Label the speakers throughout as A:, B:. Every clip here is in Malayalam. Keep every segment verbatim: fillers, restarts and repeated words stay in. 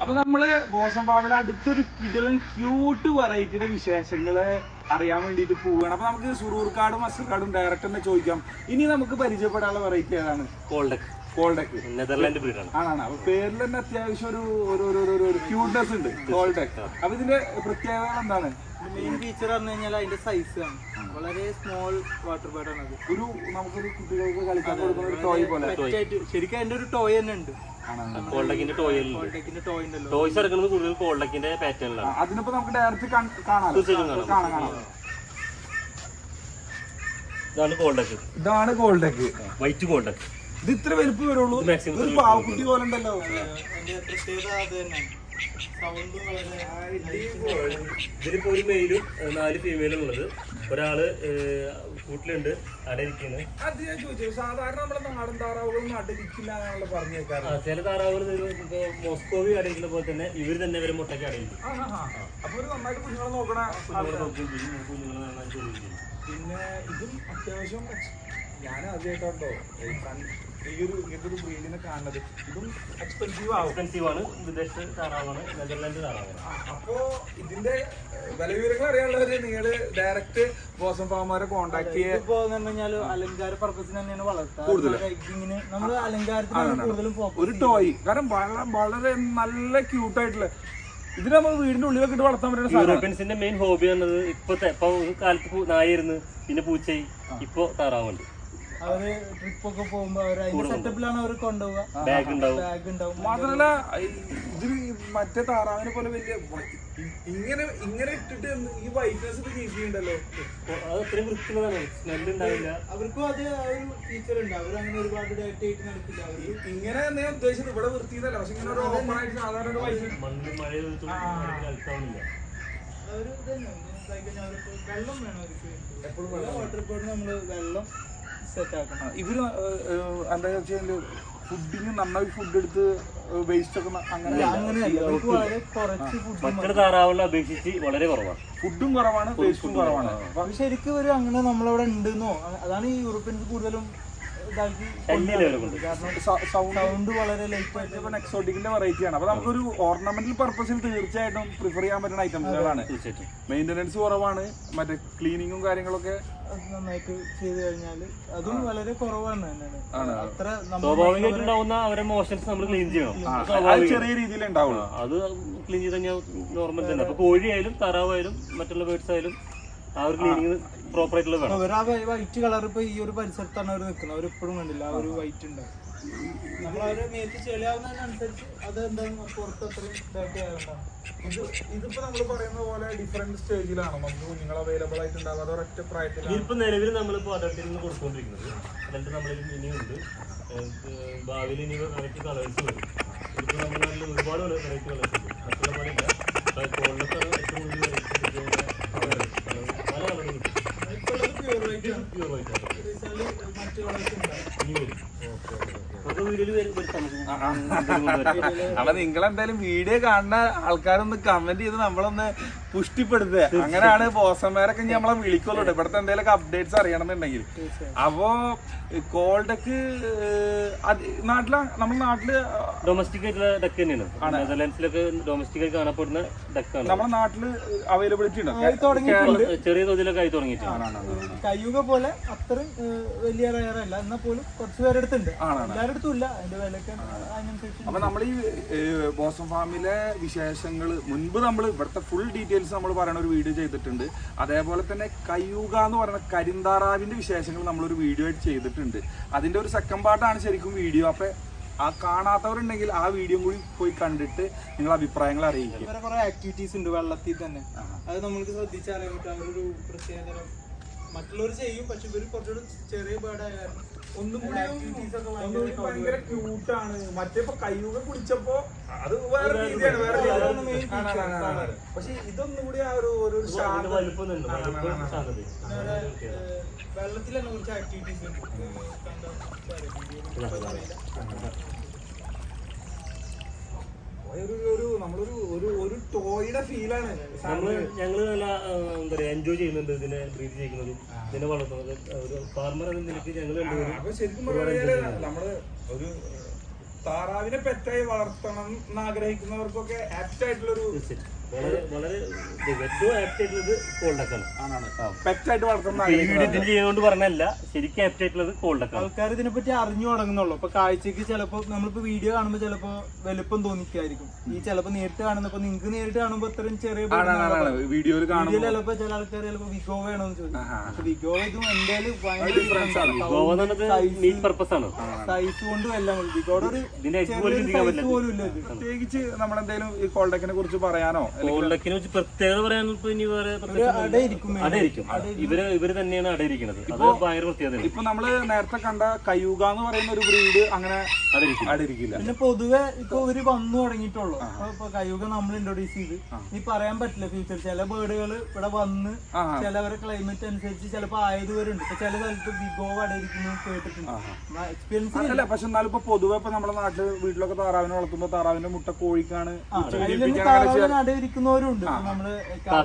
A: അപ്പൊ നമ്മള് ബോസം ഫാമിലെ അടുത്തൊരു കിടലൻ ക്യൂട്ട് വെറൈറ്റിയുടെ വിശേഷങ്ങള് അറിയാൻ വേണ്ടിട്ട് പോവുകയാണ്. അപ്പൊ നമുക്ക് സുറൂർക്കാടും അസർക്കാടും ഡയറക്റ്റ് തന്നെ ചോദിക്കാം. ഇനി നമുക്ക് പരിചയപ്പെടാനുള്ള വെറൈറ്റി ഏതാണ്?
B: കോൾഡെക്ക്.
A: കോൾഡെക്ക്
B: നെതർലാൻഡ് ബ്രീഡാണ്.
A: ആണ്. അപ്പൊ പേരിൽ തന്നെ അത്യാവശ്യം ഒരു ഒരു ക്യൂട്ട്നെസ് ഉണ്ട് കോൾഡെക്ക്. അപ്പൊ ഇതിന്റെ പ്രത്യേകത എന്താണ്?
C: മെയിൻ ഫീച്ചർ പറഞ്ഞു കഴിഞ്ഞാൽ അതിന്റെ സൈസ് ആണ്. വളരെ സ്മോൾ വാട്ടർ ബേർഡ് ആണ് അത്.
A: ഒരു നമുക്കൊരു കുട്ടികൾക്ക് കളിക്കാൻ കൊടുക്കുന്ന ഒരു ടോയ് പോലെ.
C: ശരിക്കും അതിന്റെ ഒരു ടോയ് തന്നെ ഉണ്ട്.
B: കോൾഡെക്കിന്റെ ടോയ്
C: ടോയ് ഉണ്ടല്ലോ.
B: ടോയ്സ് ഇറക്കുന്നത് കൂടുതൽ കോൾഡെക്കിന്റെ പാറ്റേണിലാണ്.
A: അതിനിപ്പോ നമുക്ക് ഡയറക്റ്റ് കാണാം.
B: ഇതാണ് കോൾഡെക്ക്.
A: ഇതാണ് കോൾഡെക്ക്.
B: വൈറ്റ് കോൾഡെക്ക്.
A: ഇത് ഇത്ര വലുപ്പം വരുള്ളൂ. ഒരു പാവക്കുട്ടി പോലെ ഉണ്ടല്ലോ.
C: അതിന്റെ പ്രത്യേകത അത് തന്നെ. സൗണ്ട്
B: ഇതിലിപ്പോ ഒരു മെയിലും നാല് ഫീമെയിലും ഉള്ളത്. ഒരാള് കൂട്ടിലുണ്ട്, അടയിരിക്കുന്നത്.
A: അത് ഞാൻ ചോദിച്ചു. സാധാരണ നമ്മുടെ നാടൻ താറാവുകളൊന്നും അടയിരിക്കില്ല എന്നാണല്ലോ പറഞ്ഞു കേൾക്കാറ്.
B: ചില താറാവുകൾ ഇപ്പൊ മോസ്കോവി അടയിരിക്കുന്ന പോലെ തന്നെ ഇവര് തന്നെ ഇവരെ മുട്ടയ്ക്ക് അടയിരിക്കും.
A: അപ്പൊ ഒരു നന്നായിട്ട് കുഞ്ഞുങ്ങളെ നോക്കണ
B: കുഞ്ഞുങ്ങളെ നന്നായിട്ട് ചെയ്യും.
A: പിന്നെ ഇതും അത്യാവശ്യം ഞാൻ ആദ്യമായിട്ടോ ഈ ഒരു ഇങ്ങനത്തെ ഒരു ബ്രീഡിനെ കാണുന്നത്. ഇതും എക്സ്പെൻസീവ് ആവും.
B: എക്സ്പെൻസീവ് ആണ്. വിദേശ താറാവാണ്, നെതർലാൻഡ് താറാവാണ്.
A: അപ്പോ ഇതിന്റെ വില വിവരങ്ങൾ അറിയാനുള്ളവര് നിങ്ങള് ഡയറക്റ്റ് ബോസം ഫാമുകാരെ കോൺടാക്ട്
C: ചെയ്യുമ്പോ കഴിഞ്ഞാൽ അലങ്കാര പർപ്പസിന് തന്നെയാണ് വളർത്തുക. കൂടുതൽ നമ്മള് അലങ്കാരത്തിനാണ് കൂടുതലും ഫോക്കസ്.
A: ഒരു ടോയ് കാരണം വളരെ വളരെ നല്ല ക്യൂട്ടായിട്ടുള്ള ഇതിന് നമ്മൾ വീടിന്റെ ഉള്ളിലൊക്കെ ഇട്ട് വളർത്താൻ പറ്റുന്ന
B: യൂറോപ്യൻസിന്റെ മെയിൻ ഹോബി എന്നത് ഇപ്പത്തെ ഇപ്പൊ കാലത്ത് നായായിരുന്നു, പിന്നെ പൂച്ചയായി, ഇപ്പൊ താറാവുണ്ട്.
C: അവര് ട്രിപ്പ് ഒക്കെ പോകുമ്പോ അവര് അതിന്റെ സെറ്റപ്പിലാണ് അവർ കൊണ്ടുപോവുക.
B: ബാഗ് ഉണ്ടാവും.
C: ബാഗ് ഉണ്ടാവും.
A: മാത്രല്ല ഇതിന് മറ്റേ താറാവിനെ പോലെ വലിയ ഇങ്ങനെ ഇങ്ങനെ ഇട്ടിട്ട് ഈ വൈറ്റ്നസ് ചെയ്യുന്നുണ്ടല്ലോ.
B: അത് അത്രയും വൃത്തിയുള്ളതാണ്. സ്മെല്ല് ഉണ്ടാവില്ല.
C: അവർക്കും അത് ആ ഒരു ഫീച്ചർ ഉണ്ട്. അവർ അങ്ങനെ ഒരുപാട് ഡേറ്റ് ആയിട്ട് നടക്കില്ല. അവര്
A: ഇങ്ങനെ ഞാൻ ഉദ്ദേശിച്ചത് ഇവിടെ വൃത്തിയതല്ല. പക്ഷെ ഇങ്ങനെ ഒരു ഓപ്പൺ ആയിട്ട് സാധാരണ
B: മണ്ണിൽ മഴ കളിക്കാവുന്നില്ല.
C: അവര് തന്നെ വെള്ളം വേണം അവർക്ക്. എപ്പോഴും വാട്ടർ ബോർഡിന് നമ്മള് വെള്ളം സെറ്റ് ആക്കണം.
A: ഇവര് എന്താ വെച്ചാൽ ഫുഡിന് നന്നായി ഫുഡ് എടുത്ത് വേസ്റ്റ് ഒക്കെ അങ്ങനെ
B: മറ്റൊരു താറാവുകളെ അപേക്ഷിച്ച് വളരെ കുറവാണ്.
A: ഫുഡും കുറവാണ്, വേസ്റ്റും കുറവാണ്.
C: ശരിക്കും ഒരു അങ്ങനെ നമ്മളവിടെ ഉണ്ടെന്നോ അതാണ് ഈ യൂറോപ്യൻസ് കൂടുതലും സൗണ്ട് വളരെ ലൈറ്റ് ആയിട്ട്
A: എക്സോട്ടിക്കിന്റെ വെറൈറ്റി ആണ്. അപ്പൊ നമുക്കൊരു ഓർണമെന്റൽ പർപ്പസിൽ തീർച്ചയായിട്ടും പ്രിഫർ ചെയ്യാൻ പറ്റുന്ന ഐറ്റംസുകളാണ്. മെയിൻ്റെനൻസ് കുറവാണ്, മറ്റേ ക്ലീനിങ്ങും കാര്യങ്ങളൊക്കെ
C: നന്നായിട്ട് ചെയ്ത് കഴിഞ്ഞാല് അതും വളരെ കുറവാണ്. അത്ര
B: സ്വാഭാവികമായിട്ടുണ്ടാവുന്ന അവരെ മോഷൻസ് നമ്മൾ ക്ലീൻ ചെയ്യണം.
A: ചെറിയ രീതിയിൽ ഉണ്ടാവുള്ളൂ.
B: അത് ക്ലീൻ ചെയ്ത് കഴിഞ്ഞാൽ നോർമൽ തന്നെ. അപ്പൊ കോഴിയായാലും താറാവായാലും മറ്റുള്ള ബേർഡ്സ് ആയാലും ആ ഒരു ക്ലീനിങ് പ്രോപ്പർ ആയിട്ടുള്ള വേണം.
C: അവർ ആ വൈറ്റ് കളർ ഇപ്പൊ ഈ ഒരു പരിസരത്താണ് അവർ നിൽക്കുന്നത്. അവർ എപ്പോഴും കണ്ടില്ല ആ ഒരു വൈറ്റ് ഉണ്ടാവും. നമ്മൾ അവരെ മേത്ത് ചെളിയാവുന്നതിനനുസരിച്ച് അത് എന്താണ് പുറത്ത് അത്രയും ഡേർട്ടി ആയതുകൊണ്ടാണ്.
A: ഇത് ഇതിപ്പോ നമ്മൾ പറയുന്ന പോലെ ഡിഫറെന്റ് സ്റ്റേജിലാണോ നമുക്ക് കുഞ്ഞുങ്ങൾ അവൈലബിൾ ആയിട്ടുണ്ടാവുക? അതോ ഒറ്റ പ്രായത്തിൽ?
B: ഇതിപ്പോ നിലവിൽ നമ്മളിപ്പോ അഡൽട്ടിൽ നിന്ന് കൊടുത്തുകൊണ്ടിരിക്കുന്നത്. അഡൽട്ട് നമ്മളിൽ ഇനിയുണ്ട്. ഭാവിയിൽ ഇനി വെറൈറ്റി കളേഴ്സ് വരും. ഇതിപ്പോ നമ്മൾ നല്ല ഒരുപാട് വെറൈറ്റി കളേഴ്സ് ഉണ്ട്. മറ്റുള്ള പോലെ ഇല്ല. കോളിലൊക്കെ ഏറ്റവും കൂടുതൽ വെറൈറ്റി
A: അപ്പൊ നിങ്ങളെന്തായാലും വീഡിയോ കാണുന്ന ആൾക്കാരൊന്ന് കമന്റ് ചെയ്ത് നമ്മളൊന്ന് പുഷ്ടിപ്പെടുത്തുക. അങ്ങനെയാണ് ബോസന്മാരൊക്കെ നമ്മളെ വിളിക്കുള്ളൂ ഇവിടുത്തെ എന്തെങ്കിലും അപ്ഡേറ്റ്സ് അറിയണമെന്നുണ്ടെങ്കിൽ. അപ്പോ കോൾഡെക്ക് നാട്ടില നമ്മുടെ നാട്ടില്
B: ഡൊമസ്റ്റിക് ആയിട്ടുള്ള ഡക്ക് തന്നെയാണ്. നെതർലാൻഡ്സിലൊക്കെ ഡൊമസ്റ്റിക് ആയി കാണപ്പെടുന്ന ഡക്കാണ്.
A: നമ്മുടെ നാട്ടില് അവൈലബിലിറ്റി ഉണ്ട്.
B: ചെറിയ തോതിലൊക്കെ ആയി തുടങ്ങിയിട്ടാണ്.
C: കയ്യുക പോലെ അത്രയും വലിയ റയറല്ല, എന്നാൽ പോലും കുറച്ച് പേരെടുത്തുണ്ട്. എല്ലാവരുടെ അടുത്തും ഇല്ല. അതിന്റെ വിലയൊക്കെ അതിനനുസരിച്ച്.
A: അപ്പൊ നമ്മൾ ഈ ബോസം ഫാമിലെ വിശേഷങ്ങൾ മുൻപ് നമ്മൾ ഇവിടുത്തെ ഫുൾ ഡീറ്റെയിൽസ് നമ്മൾ പറയുന്ന ഒരു വീഡിയോ ചെയ്തിട്ടുണ്ട്. അതേപോലെ തന്നെ കയ്യൂക എന്ന് പറയുന്ന കരിന്താറാവിന്റെ വിശേഷങ്ങൾ നമ്മളൊരു വീഡിയോ ആയിട്ട് ചെയ്തിട്ടുണ്ട്. അതിന്റെ ഒരു സെക്കൻഡ് പാർട്ടാണ് ശരിക്കും വീഡിയോ. അപ്പൊ ആ കാണാത്തവരുണ്ടെങ്കിൽ ആ വീഡിയോ കൂടി പോയി കണ്ടിട്ട് നിങ്ങൾ അഭിപ്രായങ്ങൾ അറിയിക്കും.
C: വേറെ കുറെ ആക്ടിവിറ്റീസ് ഉണ്ട് വെള്ളത്തിൽ തന്നെ. അത് നമ്മൾക്ക് ശ്രദ്ധിച്ചറിയാൻ പറ്റും. അവരൊരു പ്രത്യേകതരം മറ്റുള്ളവർ ചെയ്യും, പക്ഷെ ഇവര് കുറച്ചുകൂടി ചെറിയ ബേർഡായാലും ഒന്നും കൂടി
A: ഭയങ്കര ക്യൂട്ടാണ്. മറ്റേ കയ്യൂക കുടിച്ചപ്പോ അത് വേറെ രീതിയാണ്, വേറെ രീതിയാണ്. പക്ഷെ ഇതൊന്നും കൂടി ആ ഒരു ഒരു
C: വെള്ളത്തിൽ തന്നെ കുറച്ച് ആക്ടിവിറ്റീസ്
A: ഒരു നമ്മളൊരു ഒരു ഒരു ടോയുടെ ഫീലാണ്.
B: നമ്മള് ഞങ്ങള് നല്ല എന്താ പറയാ എൻജോയ് ചെയ്യുന്നുണ്ട് ഇതിനെ ബ്രീഡ് ചെയ്യുന്നതും ഇതിനെ വളർത്തുന്നത്. ഒരു ഫാർമർ എന്ന നിലയ്ക്ക് ഞങ്ങൾ
A: ശരിക്കും പറഞ്ഞാല് നമ്മള് ഒരു താറാവിനെ പെറ്റായി വളർത്തണം എന്ന് ആഗ്രഹിക്കുന്നവർക്കൊക്കെ ആപ്റ്റ് ആയിട്ടുള്ളൊരു
B: വളരെ വളരെ ഏറ്റവും ആപ്റ്റ് ആയിട്ടുള്ളത് കോൾഡക്കാണ്.
A: പെറ്റായിട്ട് വളർത്തണം
B: ഈ വീഡിയോ ഇതിന് ചെയ്യുന്നതുകൊണ്ട് പറഞ്ഞല്ല, ശരിക്കും ആപ്റ്റ് ആയിട്ടുള്ളത് കോൾഡക്കാണ്.
C: ആൾക്കാർ ഇതിനെപ്പറ്റി അറിഞ്ഞു തുടങ്ങുന്നുള്ളൂ. ഇപ്പൊ കാഴ്ചക്ക് ചിലപ്പോ നമ്മളിപ്പോ വീഡിയോ കാണുമ്പോ ചിലപ്പോ വലുപ്പം തോന്നിക്കായിരിക്കും. ഈ ചിലപ്പോ നേരിട്ട് കാണുന്നപ്പോ നിങ്ങൾക്ക് നേരിട്ട് കാണുമ്പോ അത്രയും ചെറിയ
A: വീഡിയോയിൽ കാണുമ്പോൾ
C: ചിലപ്പോ ചില ആൾക്കാർ ചിലപ്പോ വിഗോ വേണമെന്ന് ചോദിക്കും. വിഗോ ഇതും എന്തായാലും
B: മീറ്റ് പർപ്പസ് ആണ്.
C: സൈസ് കൊണ്ടും എല്ലാം വിഗോയുടെ ഒരു സൈസ് പോലും ഇല്ല.
A: പ്രത്യേകിച്ച് നമ്മളെന്തെങ്കിലും ഈ കോൾഡക്കിനെ കുറിച്ച് പറയാനോ
B: കോൾഡക്കിനെ കുറിച്ച് പ്രത്യേകത പറയാൻ ഇനി വേറെ
C: അടയിരിക്കും
B: അടയിരിക്കും. ഇവര് ഇവര് തന്നെയാണ് അടയിരിക്കുന്നത്. അത് ഭയങ്കര പ്രത്യേകത.
A: ഇപ്പൊ നമ്മള് നേരത്തെ കണ്ട കയ്യൂക എന്ന് പറയുന്ന ഒരു ബ്രീഡ് അങ്ങനെ അടയിരിക്കില്ല.
C: പിന്നെ പൊതുവെ ഇപ്പൊ ഇവര് വന്നു തുടങ്ങിയിട്ടുള്ളൂ. ഇപ്പൊ കയ്യൂക നമ്മൾ ഇൻട്രൊഡ്യൂസ് ചെയ്ത് ഇനി പറയാൻ പറ്റില്ല ഫ്യൂച്ചർ. ചില ബേർഡുകൾ ഇവിടെ വന്ന് ചിലവരെ ക്ലൈമറ്റ് അനുസരിച്ച് ചിലപ്പോ ആയതുവരുണ്ട്. ഇപ്പൊ ചില സ്ഥലത്ത് വിഗോ അടയിരിക്കുന്നു കേട്ടിട്ടുണ്ട്. എക്സ്പീരിയൻസ്
A: അല്ല. പക്ഷെ എന്നാലും ഇപ്പൊ പൊതുവെ ഇപ്പൊ നമ്മുടെ നാട്ടില് വീട്ടിലൊക്കെ താറാവിനെ വളർത്തുമ്പോ താറാവിന്റെ മുട്ട കോഴിക്കാണ്
C: ഇരിക്കുന്നവരുണ്ട്. നമ്മള്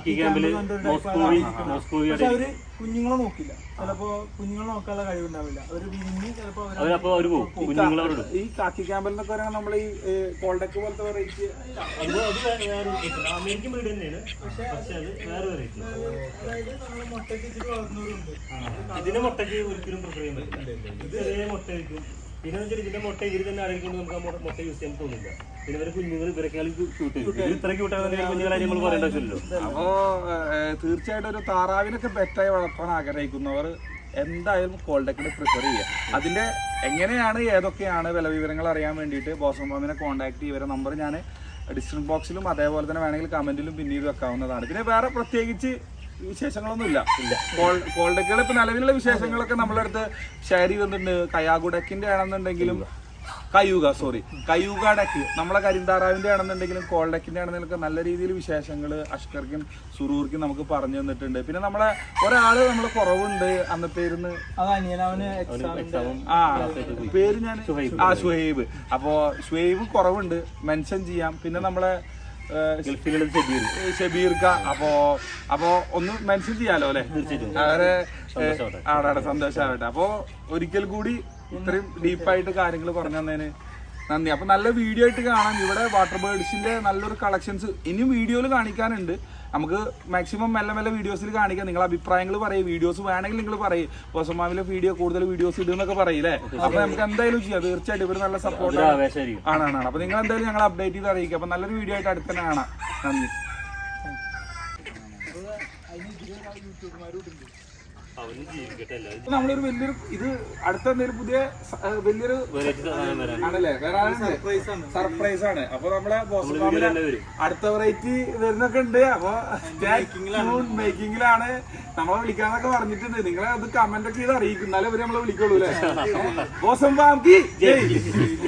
C: പക്ഷെ അവര് കുഞ്ഞുങ്ങളെ നോക്കില്ല. ചിലപ്പോ കുഞ്ഞുങ്ങളെ നോക്കാനുള്ള കഴിവുണ്ടാവില്ല. അവര് വിരിഞ്ഞ് ചിലപ്പോ
A: ഈ കാക്കി ക്യാമ്പിൽ നിന്നൊക്കെ പറയുമ്പോൾ നമ്മൾ ഈ കോൾഡക്ക് പോലത്തെ വെറൈറ്റി
B: അമേരിക്കൻ ബ്രീഡ് തന്നെയാണ്. പക്ഷെ അത് വേറെ വെറൈറ്റി.
C: അതായത് നമ്മള് മുട്ടയ്ക്ക് ഇച്ചിരി വളർന്നവരുണ്ട്.
B: ഇതിന്റെ മുട്ടയ്ക്ക് ഒരിക്കലും പ്രിഫർ ചെയ്യാൻ പറ്റില്ല. ഇത് ചെറിയ മുട്ടയായിരിക്കും. പിന്നെ വെച്ചാൽ ഇതിന്റെ മുട്ട ഇവര് തന്നെ അടയിക്കൊണ്ട് നമുക്ക് ആ മുട്ട യൂസ് ചെയ്യാൻ തോന്നില്ല. പിന്നെ ഇവരെ കുഞ്ഞുങ്ങൾ ഇവരെക്കാളും ക്യൂട്ട് ഇത്ര ക്യൂട്ടാകുന്ന കുഞ്ഞുങ്ങളെ നമ്മൾ പറയേണ്ട ആവശ്യമില്ലല്ലോ.
A: അപ്പോ തീർച്ചയായിട്ടും ഒരു താറാവിനൊക്കെ പെറ്റായി വളർത്താൻ ആഗ്രഹിക്കുന്നവർ എന്തായാലും കോൾഡക്കിനെ പ്രിഫർ ചെയ്യുക. അതിന്റെ എങ്ങനെയാണ് ഏതൊക്കെയാണ് വില വിവരങ്ങൾ അറിയാൻ വേണ്ടിയിട്ട് ബോസം ഫാമിനെ കോൺടാക്ട് ചെയ്യുക. ഇവരെ നമ്പർ ഞാൻ ഡിസ്ക്രിപ്ഷൻ ബോക്സിലും അതേപോലെ തന്നെ വേണമെങ്കിൽ കമന്റിലും പിന്നീട് വെക്കാവുന്നതാണ്. പിന്നെ വേറെ പ്രത്യേകിച്ച് വിശേഷങ്ങളൊന്നും ഇല്ല. കോൾഡക്കുകൾ ഇപ്പൊ നിലവിലുള്ള വിശേഷങ്ങളൊക്കെ നമ്മളെ അടുത്ത് ഷെയർ ചെയ്തിട്ടുണ്ട്. കയാഗുഡക്കിന്റെ ആണെന്നുണ്ടെങ്കിലും കയ്യൂക സോറി കയ്യൂക ഡക്ക് നമ്മളെ കരിന്താറാവിന്റെ ആണെന്നുണ്ടെങ്കിലും കോൾഡക്കിന്റെ ആണെന്നുണ്ടെങ്കിലും നല്ല രീതിയിൽ വിശേഷങ്ങൾ അഷ്കർക്കും സുറൂർക്കും നമുക്ക് പറഞ്ഞു തന്നിട്ടുണ്ട്. പിന്നെ നമ്മളെ ഒരാള് നമ്മള് കുറവുണ്ട് അന്നത്തെ ഇരുന്ന് ആ പേര് ഞാൻ ആ ഷുഹൈബ്. അപ്പോ ഷുഹൈബ് കുറവുണ്ട്, മെൻഷൻ ചെയ്യാം. പിന്നെ നമ്മളെ ഷബീർക്ക അപ്പോ അപ്പോ ഒന്ന് മെൻഷൻ ചെയ്യാലോ അല്ലെ. അവരെ ആടാടെ സന്തോഷമാവട്ടെ. അപ്പോ ഒരിക്കൽ കൂടി ഇത്രയും ഡീപ്പായിട്ട് കാര്യങ്ങൾ പറഞ്ഞു തന്നതിന് നന്ദി. അപ്പൊ നല്ല വീഡിയോ ആയിട്ട് കാണാം. ഇവിടെ വാട്ടർ ബേർഡ്സിന്റെ നല്ലൊരു കളക്ഷൻസ് ഇനിയും വീഡിയോയിൽ കാണിക്കാനുണ്ട്. നമുക്ക് മാക്സിമം മെല്ലെ മെല്ലെ വീഡിയോസിൽ കാണിക്കാം. നിങ്ങൾ അഭിപ്രായങ്ങൾ പറയും. വീഡിയോസ് വേണമെങ്കിൽ നിങ്ങൾ പറയും ബോസമാവിലെ വീഡിയോ കൂടുതൽ വീഡിയോസ് ഇടുന്നൊക്കെ പറയില്ലേ. അപ്പൊ നമുക്ക് എന്തായാലും ചെയ്യാം. തീർച്ചയായിട്ടും ഇവർ നല്ല സപ്പോർട്ട് ആണാണ്. അപ്പൊ നിങ്ങൾ എന്തായാലും ഞങ്ങൾ അപ്ഡേറ്റ് ചെയ്ത് അറിയിക്കാം. അപ്പൊ നല്ലൊരു വീഡിയോ ആയിട്ട് അടുത്ത് തന്നെ കാണാം. നന്ദി. നമ്മളൊരു വലിയൊരു ഇത് അടുത്ത എന്തെങ്കിലും പുതിയ വലിയൊരു ആണല്ലേ സർപ്രൈസ് ആണ്. അപ്പൊ നമ്മളെ അടുത്ത വെറൈറ്റി വരുന്നൊക്കെ ഉണ്ട്. അപ്പൊ മേക്കിങ്ങിലാണ്. നമ്മളെ വിളിക്കാന്നൊക്കെ പറഞ്ഞിട്ടുണ്ട്. നിങ്ങളെ അത് കമന്റ് ഒക്കെ ചെയ്ത് അറിയിക്കും. എന്നാലും ഇവര് നമ്മളെ വിളിക്കുള്ളൂ അല്ലെ. ബോസം ഫാം കി ജയ്.